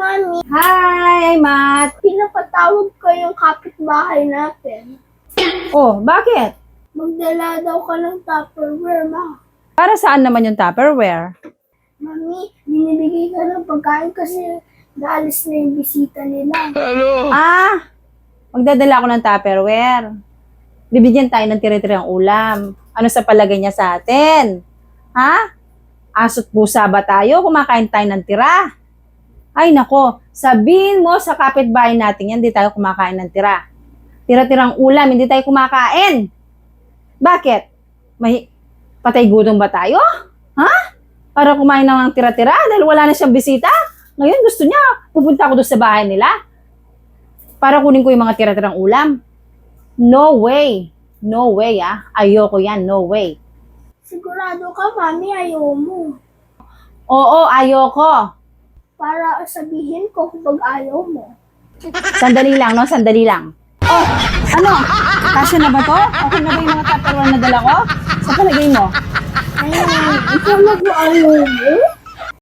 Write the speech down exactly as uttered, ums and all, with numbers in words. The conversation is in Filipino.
Mami. Hi, Matt. Pinapatawag ko yung kapitbahay natin. Oh, bakit? Magdala daw ka ng Tupperware, Ma. Para saan naman yung Tupperware? Mami, binibigay ka ng pagkain kasi naalis na yung bisita nila. Ah, magdadala ako ng Tupperware. Bibigyan tayo ng tire-tirang ulam. Ano sa palagay niya sa atin? Ha? Aso't pusa ba tayo? Kumakain tayo ng tira? Ay nako, sabihin mo sa kapitbahay natin yan, hindi tayo kumakain ng tira. Tira-tirang ulam, hindi tayo kumakain. Bakit? May patay gutom ba tayo? Ha? Para kumain lang ng tira-tira dahil wala na siyang bisita? Ngayon gusto niya, pupunta ako doon sa bahay nila para kunin ko yung mga tira-tirang ulam. No way. No way, ah. Ayoko yan. No way. Sigurado ka, Mami, ayaw mo. Oo, ayoko. Para sabihin ko kung ayaw mo. Sandali lang, no? Sandali lang. Oh, ano? Kasya na ba to? Okay na ba yung mga tupperware na dala ko? Sa palagay mo? Ayun, ikaw nag-ayaw mo?